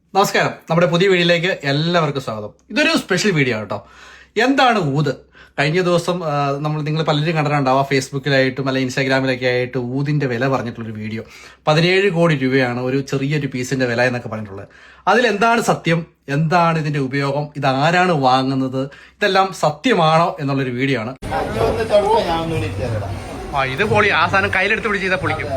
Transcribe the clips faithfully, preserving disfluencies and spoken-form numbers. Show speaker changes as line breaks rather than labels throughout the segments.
നമസ്കാരം, നമ്മുടെ പുതിയ വീഡിയോയിലേക്ക് എല്ലാവർക്കും സ്വാഗതം. ഇതൊരു സ്പെഷ്യൽ വീഡിയോ കേട്ടോ. എന്താണ് ഊത്? കഴിഞ്ഞ ദിവസം നമ്മൾ നിങ്ങൾ പലരും കണ്ടിട്ടുണ്ടാവുക, ഫേസ്ബുക്കിലായിട്ടും അല്ലെങ്കിൽ ഇൻസ്റ്റാഗ്രാമിലൊക്കെ ആയിട്ട് ഊതിന്റെ വില പറഞ്ഞിട്ടുള്ളൊരു വീഡിയോ. പതിനേഴ് കോടി രൂപയാണ് ഒരു ചെറിയൊരു പീസിന്റെ വില എന്നൊക്കെ പറഞ്ഞിട്ടുള്ളത്. അതിലെന്താണ് സത്യം, എന്താണ് ഇതിന്റെ ഉപയോഗം, ഇതാരാണ് വാങ്ങുന്നത്, ഇതെല്ലാം സത്യമാണോ എന്നുള്ളൊരു വീഡിയോ ആണ്. ആ ഇത് പൊളി. ആ സാധനം കയ്യിലെടുത്ത് പിടിച്ച് ചെയ്താൽ പൊളിക്കും.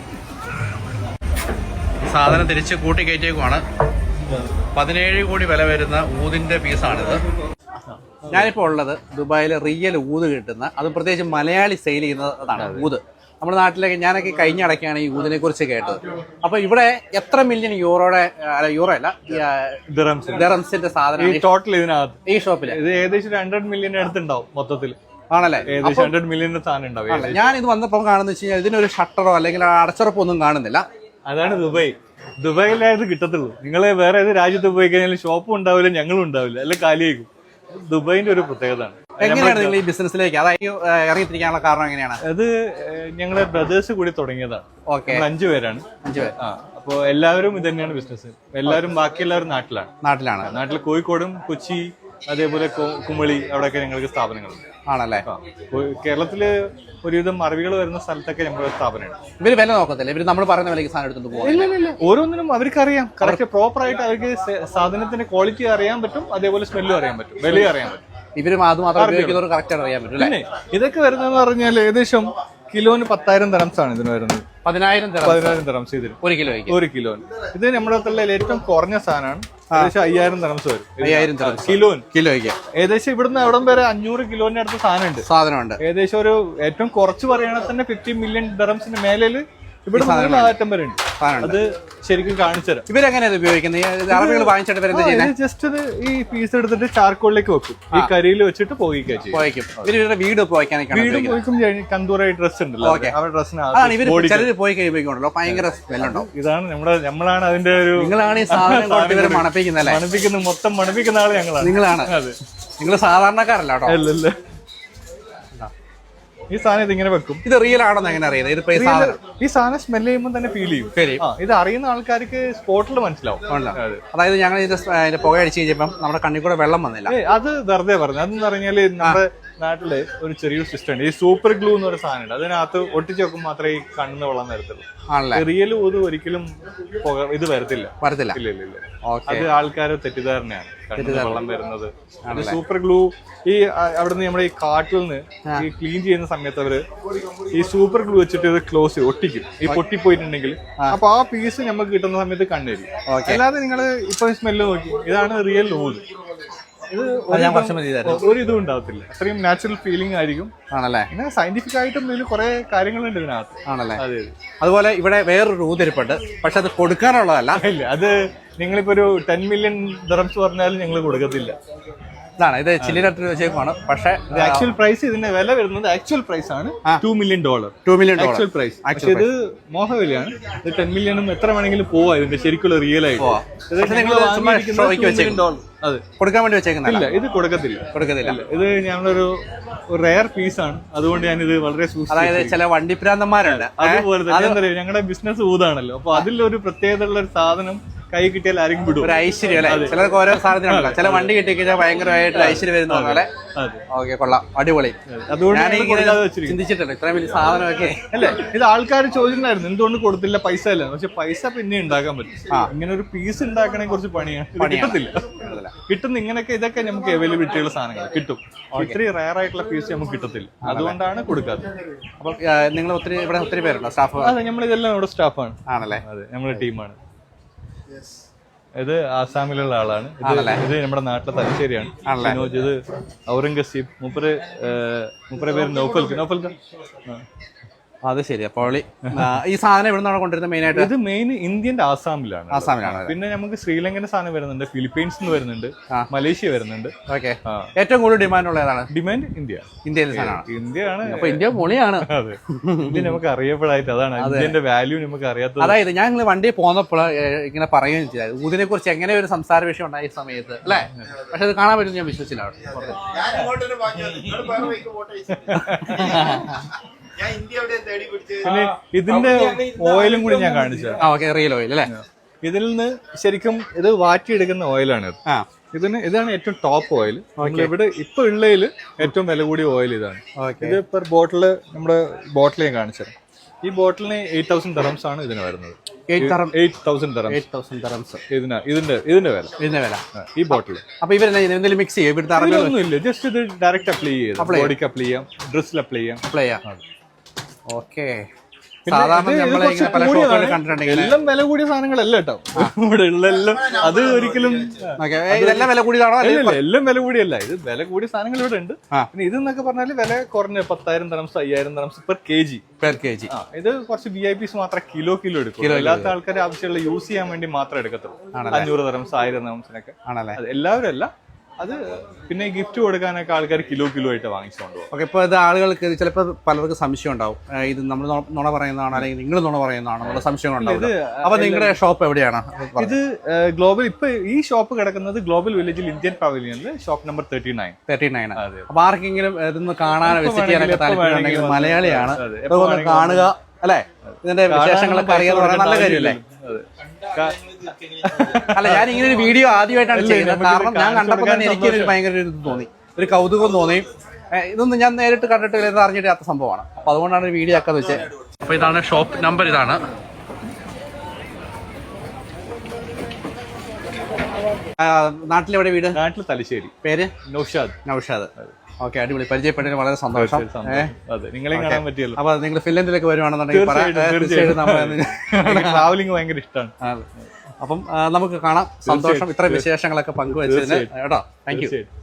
സാധനം തിരിച്ച് കൂട്ടി കയറ്റിയേക്കുവാണ്. പതിനേഴ് കോടി വില വരുന്ന ഊതിന്റെ പീസാണിത്. ഞാനിപ്പോൾ ഉള്ളത് ദുബായിൽ റിയൽ ഊത് കിട്ടുന്ന, അത് പ്രത്യേകിച്ച് മലയാളി സെയിൽ ചെയ്യുന്നതാണ് ഊത്. നമ്മുടെ നാട്ടിലേക്ക് ഞാനൊക്കെ കഴിഞ്ഞ ഇടയ്ക്കാണ് ഈ ഊതിനെ കുറിച്ച് കേട്ടത്. അപ്പൊ ഇവിടെ എത്ര മില്യൺ യൂറോയുടെ യൂറോ അല്ല ദിറംസിന്റെ സാധനം
ടോട്ടൽ ഇതിനകത്ത്
ഈ ഷോപ്പില്
ഇത് ഏകദേശം ഹൺഡ്രഡ് മില്യൺ അടുത്തുണ്ടാവും മൊത്തത്തിൽ.
ആണല്ലേ?
ഏകദേശം ഹൺഡ്രഡ് മില്യൺ സാധനം ഉണ്ടാവും.
ഞാൻ ഇത് വന്നപ്പോൾ കാണുന്ന വെച്ച് കഴിഞ്ഞാൽ ഇതിനൊരു ഷട്ടറോ അല്ലെങ്കിൽ അടച്ചുറപ്പോ ഒന്നും കാണുന്നില്ല.
അതാണ് ദുബായ്. ദുബായിലായത് കിട്ടത്തുള്ളൂ. നിങ്ങളെ വേറെ ഏത് രാജ്യത്ത് പോയി കഴിഞ്ഞാൽ ഷോപ്പും ഉണ്ടാവില്ല, ഞങ്ങളും ഉണ്ടാവില്ല, അല്ലെ കാലിയേക്കും. ദുബായിന്റെ ഒരു പ്രത്യേകതയാണ്.
എങ്ങനെയാണ് നിങ്ങൾ ഈ ബിസിനസ്സിലേക്ക് അതായത് ഇറങ്ങിത്തിരിക്കാനുള്ള കാരണം എങ്ങനെയാണ്?
അത് ഞങ്ങളെ ബ്രദേഴ്സ് കൂടി തുടങ്ങിയതാണ്.
ഓക്കെ,
അഞ്ചു പേരാണ്. അഞ്ചു പേര്. ആ അപ്പൊ എല്ലാവരും ഇത് തന്നെയാണ് ബിസിനസ്. എല്ലാവരും ബാക്കി എല്ലാവരും നാട്ടിലാണ്
നാട്ടിലാണ്
നാട്ടിൽ കോഴിക്കോടും കൊച്ചി അതേപോലെ കുമളി അവിടെയൊക്കെ ഞങ്ങൾക്ക് സ്ഥാപനങ്ങളുണ്ട്.
ആണല്ലേ?
കേരളത്തില് ഒരുവിധം അറിവികൾ വരുന്ന സ്ഥലത്തൊക്കെ നമ്മുടെ സ്ഥാപനമാണ്.
ഇവര് വില നോക്കത്തില്ല, ഇവര് നമ്മൾ പറയുന്ന വിലക്ക് സാധനം എടുത്തുകൊണ്ട് പോകും.
ഓരോന്നിനും അവർക്ക് അറിയാം, കറക്റ്റ് പ്രോപ്പർ ആയിട്ട് അവർക്ക് സാധനത്തിന്റെ ക്വാളിറ്റി അറിയാൻ പറ്റും, അതേപോലെ സ്മെല്ലും അറിയാൻ പറ്റും, വിലയും അറിയാൻ പറ്റും.
ഇവര് അത് മാത്രം ഉപയോഗിക്കുന്നവർ കറക്റ്റ് അറിയാൻ പറ്റും.
പിന്നെ ഇതൊക്കെ വരുന്നതെന്ന് പറഞ്ഞാൽ ഏകദേശം കിലോന് പത്തായിരം ദിറംസ് ആണ് ഇതിന് വരുന്നത്.
പതിനായിരം
പതിനായിരം ദിറംസ് ഇതിന്
ഒരു കിലോ
ഒരു കിലോന്. ഇത് നമ്മുടെ നാട്ടിലെ ഏറ്റവും കുറഞ്ഞ സാധനമാണ്. ഏകദേശം അയ്യായിരം ദിറംസ് വരും.
അയ്യായിരം
കിലോന്
കിലോയ്ക്ക്
ഏകദേശം ഇവിടുന്ന് അവിടം വരെ അഞ്ഞൂറ് കിലോന്റെ അടുത്ത് സാധനമുണ്ട്
സാധനമുണ്ട്.
ഏകദേശം ഒരു ഏറ്റവും കുറച്ച് പറയുകയാണെങ്കിൽ തന്നെ ഫിഫ്റ്റി മില്യൺ ദിറംസിന് മേലിൽ ഇവിടെ ആറ്റം വരെ ഉണ്ട്. അത് ശരിക്കും കാണിച്ചുതരാം.
ഇവരെങ്ങനെയാണ് ഉപയോഗിക്കുന്നത്? അറബികൾ വാങ്ങിച്ചിട്ട് വരുന്നത്
ജസ്റ്റ് ഇത് ഈ പീസ് എടുത്തിട്ട് ചാർക്കോളിലേക്ക് വെക്കും, ഈ കരിയിൽ വെച്ചിട്ട് പോയിക്കും.
ഇവരുടെ വീട്
പോയിക്കും. കന്തൂറായി ഡ്രസ് ഉണ്ടല്ലോ, അവരുടെ ഡ്രസ്സിന്
പോയി കഴിയുമ്പോഴല്ലോ ഭയങ്കര സ്മെല്ലുണ്ടോ?
ഇതാണ് നമ്മുടെ നമ്മളാണ് അതിന്റെ ഒരു
നിങ്ങളാണ് ഈ സാധനം മണപ്പിക്കുന്നത്.
മണപ്പിക്കുന്ന മൊത്തം മണപ്പിക്കുന്ന ആള് ഞങ്ങളാണ്.
നിങ്ങളാണ്. നിങ്ങൾ സാധാരണക്കാരല്ല കേട്ടോ.
അല്ലല്ല, ഈ സാധനം ഇതിങ്ങനെ വെക്കും.
ഇത് റിയൽ ആണെന്ന് എങ്ങനെ അറിയുന്നത്?
ഈ സാധനം സ്മെല് ചെയ്യുമ്പോൾ തന്നെ ഫീൽ ചെയ്യും. ഇത് അറിയുന്ന ആൾക്കാർക്ക് സ്പോട്ടിൽ മനസ്സിലാവും.
അതായത് ഞങ്ങൾ ഇതിന്റെ പുക അടിച്ചു കഴിഞ്ഞപ്പം നമ്മുടെ കണ്ണിൽ കൂടെ വെള്ളം വന്നില്ല.
അത് വെറുതെ പറഞ്ഞു. അതെന്ന് പറഞ്ഞാല് നമ്മുടെ നാട്ടില് ഒരു ചെറിയൊരു സിസ്റ്റം ഉണ്ട്, ഈ സൂപ്പർ ഗ്ലൂ എന്ന് പറയുന്ന സാധനം ഉണ്ട്. അതിനകത്ത് ഒട്ടിച്ച് വെക്കും മാത്രമേ ഈ കണ്ണിന് വെള്ളം വരത്തുള്ളൂ. റിയൽ ഊത് ഒരിക്കലും ഇത് വരത്തില്ല
വരത്തില്ല
ഇല്ല ഇല്ല ഇല്ല അത് ആൾക്കാരെ തെറ്റിദ്ധാരണയാണ്. കണ്ണിന് വെള്ളം വരുന്നത് സൂപ്പർ ഗ്ലൂ. ഈ അവിടുന്ന് നമ്മുടെ ഈ കാട്ടിൽ നിന്ന് ഈ ക്ലീൻ ചെയ്യുന്ന സമയത്ത് അവര് ഈ സൂപ്പർ ഗ്ലൂ വെച്ചിട്ട് ഇത് ക്ലോസ് ഒട്ടിക്കും. ഈ പൊട്ടിപ്പോയിട്ടുണ്ടെങ്കിൽ അപ്പൊ ആ പീസ് നമുക്ക് കിട്ടുന്ന സമയത്ത് കണ്ണേരി. അല്ലാതെ നിങ്ങള് ഇപ്പൊ സ്മെല്ല് നോക്കി, ഇതാണ് റിയൽ ഊത്. ഇത് ഒരു ഇതും ഉണ്ടാവത്തില്ല, അത്രയും നാച്ചുറൽ ഫീലിംഗ് ആയിരിക്കും.
ആണല്ലേ?
പിന്നെ സയന്റിഫിക് ആയിട്ടും ഇതിൽ കുറെ കാര്യങ്ങളുണ്ട് ഇതിനകത്ത്.
ആണല്ലേ? അതുപോലെ ഇവിടെ വേറൊരു ഊതിരിപ്പുണ്ട്, പക്ഷെ അത് കൊടുക്കാനുള്ളതല്ല.
ഇല്ല, അത് നിങ്ങളിപ്പോ ഒരു ടെൻ മില്യൺ ദിറംസ് പറഞ്ഞാലും ഞങ്ങൾ കൊടുക്കത്തില്ല.
ഇതാണ് ഇത് ചില്ലിനകത്ത് വെച്ചേക്കാണ്. പക്ഷേ
ആക്ച്വൽ പ്രൈസ് ഇതിന്റെ വില വരുന്നത് ആക്ച്വൽ പ്രൈസ് ആണ് two million dollar
two million
actual price. പക്ഷെ ഇത് മോഹവിലയാണ്. ഇത് ടെൻ മില്യണും എത്ര വേണമെങ്കിലും പോവാ ഇതിന്റെ ശരിക്കുള്ള റിയൽ ആയിട്ട്.
അത് കൊടുക്കാൻ വേണ്ടി വെച്ചേക്കുന്നില്ല.
ഇത് കൊടുക്കത്തില്ല
കൊടുക്കത്തില്ല
ഇത് ഞങ്ങളൊരു റെയർ പീസ് ആണ്, അതുകൊണ്ട് ഞാൻ ഇത് വളരെ സൂക്ഷിച്ചു.
അതായത് ചില വണ്ടിപ്രാന്തന്മാരുണ്ട്,
അതുപോലെ തന്നെ ഞങ്ങളുടെ ബിസിനസ് ഊതാണല്ലോ, അപ്പൊ അതിലൊരു പ്രത്യേകത ഉള്ള ഒരു സാധനം കൈ കിട്ടിയാൽ ആരെങ്കിലും വിടും.
ഒരു ഐശ്വര്യം അല്ലെ? ചിലർക്ക് ഓരോ സാധനത്തിനുണ്ടല്ലോ. ചില വണ്ടി കിട്ടി കഴിഞ്ഞാൽ ഭയങ്കരമായിട്ട് ഐശ്വര്യം വരുന്ന പോലെ. ഓക്കെ, കൊള്ളാം, അടിപൊളി.
അതുകൊണ്ട്
ചിന്തിച്ചിട്ടുണ്ട് ഇത്രയും വലിയ സാധനമൊക്കെ
അല്ലേ. ഇത് ആൾക്കാർ ചോദിച്ചിട്ടുണ്ടായിരുന്നു എന്തുകൊണ്ട് കൊടുത്തില്ല, പൈസ അല്ല. പക്ഷെ പൈസ പിന്നെ ഉണ്ടാക്കാൻ പറ്റും. ഇങ്ങനെ ഒരു പീസ് ഉണ്ടാക്കണേ കുറച്ച് പണിയാണ്. കിട്ടത്തില്ല, കിട്ടുന്ന ഇങ്ങനെയൊക്കെ ഇതൊക്കെ നമുക്ക് അവൈലബിലിറ്റിയുള്ള സാധനങ്ങൾ കിട്ടും. ഇത്രയും റയർ ആയിട്ടുള്ള പീസ് നമുക്ക് കിട്ടത്തില്ല, അതുകൊണ്ടാണ് കൊടുക്കാത്തത്.
അപ്പൊ നിങ്ങൾ ഒത്തിരി ഇവിടെ ഒത്തിരി പേരുണ്ടോ സ്റ്റാഫ്?
അതെ, നമ്മൾ ഇതെല്ലാം നമ്മുടെ സ്റ്റാഫാണ്.
ആണല്ലേ?
അതെ, നമ്മുടെ ടീമാണ്. ഇത് ആസാമിലുള്ള ആളാണ്. ഇത് നമ്മുടെ നാട്ടിലെ തലശ്ശേരിയാണ്. ഇത് ഔറംഗസീബ്. മുപ്പര് മുപ്പരെ പേര് നൗഫൽക്ക്. നൗഫൽക്ക്
അത് ശരി. അപ്പോൾ ഈ സാധനം ഇവിടെ നിന്നാണ് കൊണ്ടുവരുന്നത് മെയിൻ ആയിട്ട്?
ഇത് മെയിൻ ഇന്ത്യന്റെ ആസാമിലാണ്.
ആസാമിലാണ്.
പിന്നെ നമുക്ക് ശ്രീലങ്കന്റെ സാധനം വരുന്നുണ്ട്, ഫിലിപ്പീൻസ് നിന്ന് വരുന്നുണ്ട്, മലേഷ്യ വരുന്നുണ്ട്.
ഓക്കെ. ഏറ്റവും കൂടുതൽ ഡിമാൻഡ് ഉള്ള ഏതാണ്?
Demand India.
ഇന്ത്യയിലെ സാധനമാണ്.
ഇന്ത്യയാണ്.
അപ്പൊ ഇന്ത്യ പൊളിയാണ്.
അതെ, ഇന്ത്യ നമുക്ക് അറിയപ്പെടായിട്ട് അതാണ് ഇന്ത്യന്റെ വാല്യൂ നമുക്ക് അറിയാത്തത്.
അതായത് ഞാൻ നിങ്ങൾ വണ്ടിയിൽ പോന്നപ്പോൾ ഇങ്ങനെ പറയുകയും ചെയ്തു ഊതിനെ കുറിച്ച് എങ്ങനെ ഒരു സംസാര വിഷയം ഉണ്ടായ സമയത്ത് അല്ലേ. പക്ഷെ അത് കാണാൻ പറ്റും ഞാൻ വിശ്വസിച്ചില്ല.
പിന്നെ ഇതിന്റെ ഓയിലും കൂടി ഞാൻ കാണിച്ചു.
റിയൽ ഓയിൽ അല്ലേ?
ഇതിൽ നിന്ന് ശരിക്കും ഇത് വാറ്റിയെടുക്കുന്ന ഓയിലാണ് ഇത്.
ആ
ഇതിന് ഇതാണ് ഏറ്റവും ടോപ്പ് ഓയിൽ. ഇവിടെ ഇപ്പൊ ഉള്ളതിൽ ഏറ്റവും വില കൂടിയ ഓയിൽ ഇതാണ്. ഇത് പെർ ബോട്ടില് നമ്മുടെ ബോട്ടിൽ ഞാൻ കാണിച്ചത്. ഈ ബോട്ടിലിന് എയ്റ്റ് തൗസൻഡ് ദറംസ് ആണ് ഇതിന് വരുന്നത്. എയ്റ്റ് തൗസൻഡ് ദറംസ് ഇതിന് ഇതിന്റെ ഇതിന്റെ വില
ഇതിന്റെ വില
ഈ ബോട്ടിൽ.
അപ്പൊ ഇവരെന്തെങ്കിലും മിക്സ് ചെയ്യും? ഇവിടുത്തെ
ഒന്നും ഇല്ല, ജസ്റ്റ് ഇത് ഡയറക്റ്റ് അപ്ലൈ ചെയ്യാം, ബോഡിക്ക് അപ്ലൈ ചെയ്യാം, ഡ്രസ്സിൽ അപ്ലൈ ചെയ്യാം.
അപ്ലൈ ചെയ്യാം. ഓക്കെ. സാധാരണ നമ്മളെ പല ഷോപ്പുകളിൽ കണ്ടിട്ടുണ്ടെങ്കിൽ
എല്ലാം വില കൂടിയ സാധനങ്ങളല്ല കേട്ടോ ഇവിടെ ഉള്ള എല്ലാം. അത് ഒരിക്കലും
ഇതെല്ലാം വില കൂടിയതാണോ?
എല്ലാം വില കൂടിയല്ല, ഇത് വില കൂടിയ സാധനങ്ങൾ ഇവിടെ ഉണ്ട്. പിന്നെ ഇതെന്നൊക്കെ പറഞ്ഞാല് വില കുറഞ്ഞ പത്തായിരം ദറംസ് അയ്യായിരം ദറംസ് per K G
per K G.
ഇത് കുറച്ച് വി ഐ പിസ് മാത്രം കിലോ കിലോ എടുക്കും. എല്ലാത്ത ആൾക്കാർ ആവശ്യമുള്ള യൂസ് ചെയ്യാൻ വേണ്ടി മാത്രം എടുക്കത്തുള്ളൂ. അഞ്ഞൂറ് ദറംസ് ആയിരം ദറംസിനൊക്കെ ആണല്ലേ. എല്ലാവരും അല്ല, അത് പിന്നെ ഗിഫ്റ്റ് കൊടുക്കാനൊക്കെ ആൾക്കാർ കിലോ കിലോ ആയിട്ട് വാങ്ങിച്ചുകൊണ്ട് പോകും.
ഓക്കെ. ഇപ്പൊ ഇത് ആളുകൾക്ക് ചിലപ്പോൾ പലർക്കും സംശയം ഉണ്ടാവും, ഇത് നമ്മൾ നുണ പറയുന്നതാണോ അല്ലെങ്കിൽ നിങ്ങൾ നുണ പറയുന്നതാണോ എന്നുള്ള സംശയങ്ങളുണ്ടാവും. അപ്പൊ നിങ്ങളുടെ ഷോപ്പ് എവിടെയാണ്?
ഇത് ഗ്ലോബൽ ഇപ്പൊ ഈ ഷോപ്പ് കിടക്കുന്നത് ഗ്ലോബൽ വില്ലേജിൽ ഇന്ത്യൻ പവലിയനിൽ shop number thirty nine thirty nine
അപ്പൊ ആർക്കെങ്കിലും ഇതൊന്ന് കാണാനോ വിസിറ്റ് ചെയ്യാനൊക്കെ താല്പര്യമുണ്ടെങ്കിൽ മലയാളിയാണ്, ഇതൊന്ന് കാണുക അല്ലെ, ഇതിന്റെ വിശേഷങ്ങളൊക്കെ അറിയാന്ന് പറയാൻ നല്ല കാര്യമല്ലേ? അല്ല, ഞാൻ ഇങ്ങനെ ഒരു വീഡിയോ ആദ്യമായിട്ടാണ് ചെയ്യുന്നത്. കാരണം ഞാൻ കണ്ടപ്പോൾ തന്നെ എനിക്കൊരു ഭയങ്കര ഒരു ഇത് തോന്നി, ഒരു കൗതുകം തോന്നി. ഇതൊന്നും ഞാൻ നേരിട്ട് കണ്ടിട്ട് ഇത് അറിഞ്ഞിട്ടാത്ത സംഭവമാണ്. അപ്പൊ അതുകൊണ്ടാണ് ഒരു വീഡിയോ ആക്കാന്ന് വെച്ചത്. അപ്പൊ ഇതാണ് ഷോപ്പ് നമ്പർ. ഇതാണ് നാട്ടിലെവിടെ വീട്?
നാട്ടിൽ തലശ്ശേരി.
പേര്?
നൗഷാദ്.
നൗഷാദ്. ഓക്കെ, അടിപൊളി. പരിചയപ്പെട്ടതിന് വളരെ സന്തോഷം.
നിങ്ങളെ കാണാൻ പറ്റിയല്ലോ.
അപ്പൊ നിങ്ങൾ ഫിൻലൻഡിലേക്ക് വരുവാണെന്നുണ്ടെങ്കിൽ
ട്രാവലിംഗ് ഭയങ്കര ഇഷ്ടമാണ്.
അപ്പം നമുക്ക് കാണാം. സന്തോഷം ഇത്ര വിശേഷങ്ങളൊക്കെ പങ്കുവച്ചതിന് കേട്ടോ. Thank U.